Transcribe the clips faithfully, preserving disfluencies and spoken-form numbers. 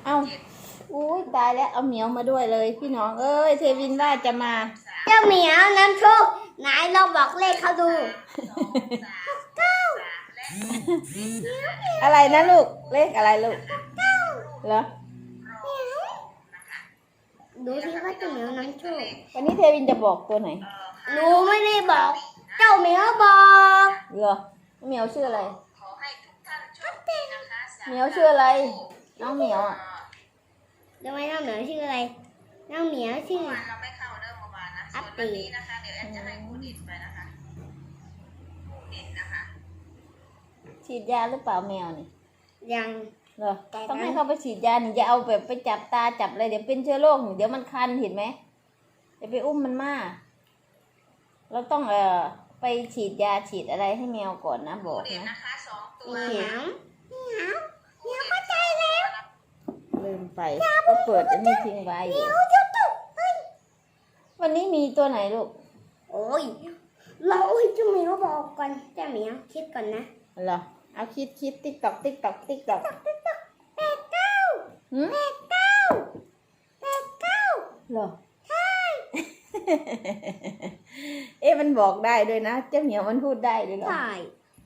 เอาอุ้ยตายแล้วเอาเหมียวมาด้วยเลยพี่น้องเอ้ยเทวินว่าจะมาเจ้าเหมียวน้ำโชคไหนเราบอกเลขเขาดูเก้าอะไรนะลูกเลขอะไรลูกเหรอดูที่ว่าเจ้าเหมียวน้ำโชควันนี้เทวินจะบอกตัวไหนหนูไม่ได้บอกเจ้าเหมียวบอกเหรอเหมียวชื่ออะไรเหมียวชื่ออะไรน้องเหมียวอ่ะทำไมน้องเหมียวชื่ออะไรน้องเหมียวชื่อเราไม่เข้าเรื่องเมื่อวานนะส่วนวันนี้นะคะเดี๋ยวแอนจะให้ครูดิดไปนะคะครูดิดนะคะฉีดยาหรือเปล่าแมวนี่ยังเหรอต้องให้เขาไปฉีดยาหนิอย่าเอาแบบไปจับตาจับอะไรเดี๋ยวเป็นเชื้อโรคเดี๋ยวมันคันเห็นไหมเดี๋ยวไปอุ้มมันมาเราต้องเอ่อไปฉีดยาฉีดอะไรให้แมวก่อนนะบอกนะนะคะสองตัวเหมียวเหมียวเหมียวเข้าใจแล้วลืมไปก็เปิดอันนี้ทิ้งไว้อยู่วันนี้มีตัวไหนลูกโอ้ยเราให้เจ้าเหมียวบอกก่อนเจ้าเหมียวคิดก่อนนะเหรอเอาคิดคิดติ๊กตอกติ๊กตอกติ๊กตอกติ๊กต๊อกแปดเก้าแปดเก้าแปดเก้าเหรอใช่เอ๊ะมันบอกได้ด้วยนะเจ้าเหมียวมันพูดได้ด้วยเหรอใช่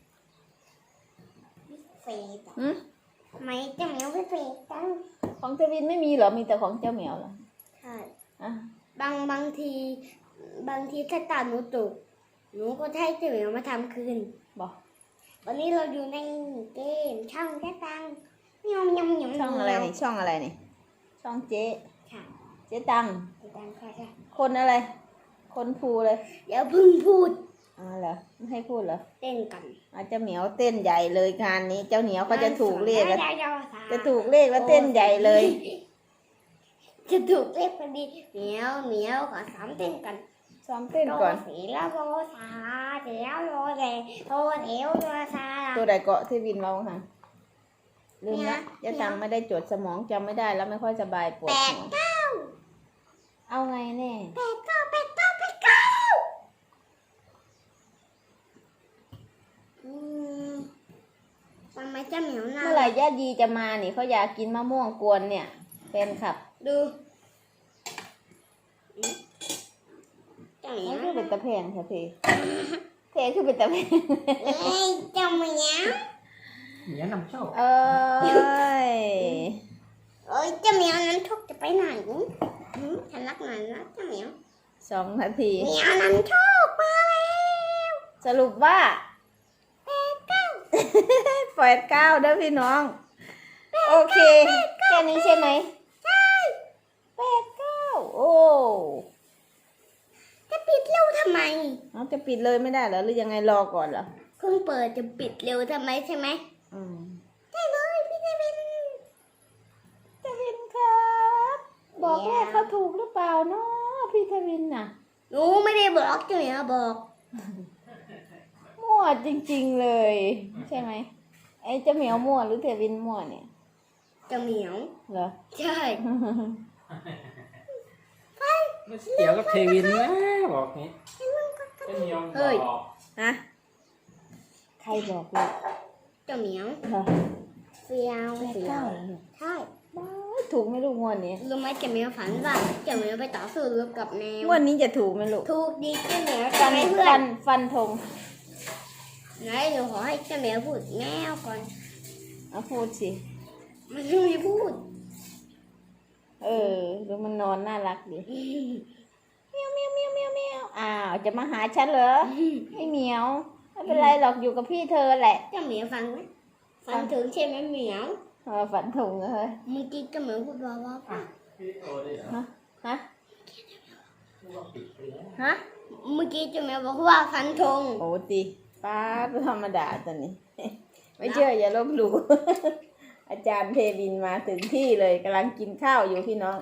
เฟซอืมทำไมเจ้าเหมียวไม่เฟซจังของเทวินไม่มีเหรอมีแต่ของเจ้าเหมียวเหรอใช่อ่ะบางบางทีบางทีถ้าตาหนูตกหนูก็ให้เจ้าเหมียวมาทำคืนบอกวันนี้เราอยู่ในเกมช่องแจ๊ตังยำยำยำช่องอะไรนี่ช่องอะไรนี่ช่องเจ๊ค่ะเจ๊ตังเจ๊ตังค่ะค่ะคนอะไรคนภูเลยอย่าพึ่งพูดอ๋อเหรอไม่ให้พูดเหรอเต้นกันอาจจะเหมียวเต้นใหญ่เลยงานนี้เจ้าเหนียวก็จะถูกเลขแล้วจะถูกเลขแล้วเต้นใหญ่เลยจะถูกเลขพอดีเหมียวเหมียวขอสามเต้นกันซ้อมเต้นก่อนสีแล้วโรซาเดี๋ยวโรแดงโรเอวโรซาตัวใดเกาะที่วินเราค่ะลืมละจะจำไม่ได้จดสมองจำไม่ได้แล้วไม่ค่อยสบายปวดหัวแปดเก้าเอาไงแน่แปดเก้าแปดเก้าแปดเก้าอืมทำไมเจ้าเหมียวหน้าเมื่อไหร่ย่าดีจะมานี่เขาอยากกินมะม่วงกวนเนี่ยแฟนคลับดูเจ้าเหมียวคือเป็นตะแพงค่ะพี่เพคือเป็นตะแพงเอ้ยเจ้าเหมียวเหมียวนำโชคเอ้ยเอ้ยเจ้าเหมียวนั้นทุกจะไปไหนฉันรักหน่อยนะเจ้าเหมียวสองนาทีเหมียวนั้นโชคมาแล้วสรุปว่าแปดเก้าแปดเก้าเด้อพี่น้องโอเคแค่นี้ใช่ไหมใช่แปดเก้าโอ้จะปิดเร็วทำไมเอาจะปิดเลยไม่ได้เหรอหรือยังไงรอก่อนเหรอเพิ่งเปิดจะปิดเร็วทำไมใช่ไหมอืมได้เลยพี่เทวินเทวินครับบอกแม่เขาถูกหรือเปล่าเนาะพี่เทวินน่ะหนูไม่ได้บอกเจ้าเหมียวบอกมั่วจริงๆเลยใช่ไหมไอ้เจ้าเหมียวมั่วหรือเทวินมั่วเนี่ยเจ้าเหมียวเหรอใช่ไม่เกี่ยวกับเทวินนะบอกนี้เป็นเหมียวบอกฮะใครบอกเลยเจ้าเหมียวเหรอเฟียวเฟียวใช่ถูกไหมลูกงวดนี้รู้ไหมเจ้าเหมียวฝันว่าเจ้าเหมียวไปต่อสู้รบกับแมวงวดนี้จะถูกไหมลูกถูกดีเจ้าเหมียวฟันฟันฟันธงไหนหนูขอให้เจ้าเหมียวพูดแมวก่อนเอาพูดสิมันไม่มีพูดเออดูมันนอนน่ารักดิเมียวเมียวเมียวเมียวเมียวอ้าวจะมาหาฉันเหรอให้เหมียวไม่เป็นไรหรอกอยู่กับพี่เธอแหละเจ้าเหมียวฟังไหมฟังถึงใช่ไหมเหมียวเออฝันถุงเลยเมื่อกี้เจ้าเหมียวพูดว่าว่าฮะฮะฮะเมื่อกี้เจ้าเหมียวบอกว่าฟันธงโอ้ตีป้าธรรมดาตอนนี้ไม่เชื่ออย่าลบหลู่อาจารย์เทวินมาถึงที่เลยกำลังกินข้าวอยู่พี่น้อง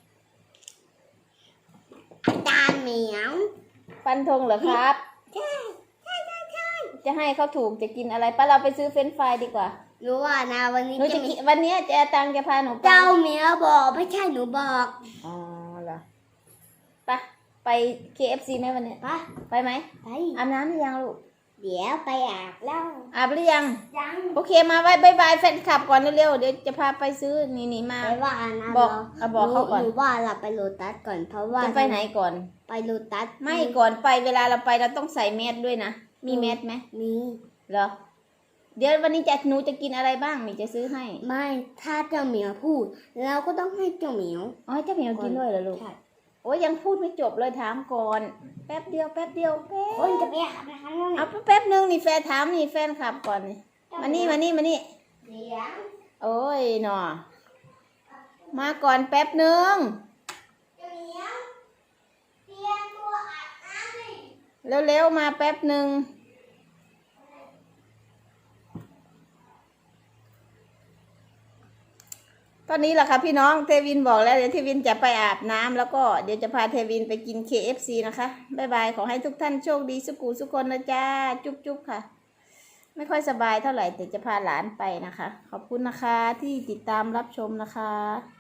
อาจารย์เหมียวฟันธงเหรอครับใช่ใช่ใช่ใช่จะให้เขาถูกจะกินอะไรป้าเราไปซื้อเฟรนช์ฟรายดีกว่ารู้ว่านะวันนี้จะวันนี้จะตังจะพาหนูไปเจ้าเหมียวบอกไม่ใช่หนูบอกอ๋อเหรอไปไป เค เอฟ ซี ไหมวันนี้ไปไปไหมไปอาบน้ำหรือยังลูกเดี๋ยวไปอาบแล้วอาบหรือยังยังโอเคมาไว้บายบายแฟนคลับก่อนเร็วๆเดี๋ยวจะพาไปซื้อนี่นี่มาไปว่านะบอกเราเอาบอกเขาก่อนหนูว่าเราไปโลตัสก่อนเพราะว่าจะไปไหนก่อนไปโลตัสไม่ก่อนไปเวลาเราไปเราต้องใส่แมสด้วยนะมีแมสไหมมีเหรอเดี๋ยววันนี้จะหนูจะกินอะไรบ้างนี่จะซื้อให้ไม่ถ้าเจ้าเหมียวพูดเราก็ต้องให้เจ้าเหมียวอ๋อเจ้าเหมียวกินด้วยเหรอลูกใช่โอ้ยยังพูดไม่จบเลยถามก่อน แป๊บเดียวแป๊บเดียวแป๊บคนจะไปอาบน้ำแล้วเอาแป๊บนึงนี่แฟนถามนี่แฟนขับก่อนนี่มานี่มานี่มานี่เดี๋ยวโอ้ยหนอมาก่อนแป๊บนึงเจ้าเหมียวเตรียมตัวอาบน้ำเลยเร็วๆมาแป๊บนึงตอนนี้แหละค่ะพี่น้องเทวินบอกแล้วเดี๋ยวเทวินจะไปอาบน้ำแล้วก็เดี๋ยวจะพาเทวินไปกิน เค เอฟ ซี นะคะบ๊ายบายขอให้ทุกท่านโชคดีสุขุสุขคนนะจ้าจุ๊บจุ๊บค่ะ ไม่ค่อยสบายเท่าไหร่แต่จะพาหลานไปนะคะ ขอบคุณนะคะที่ติดตามรับชมนะคะ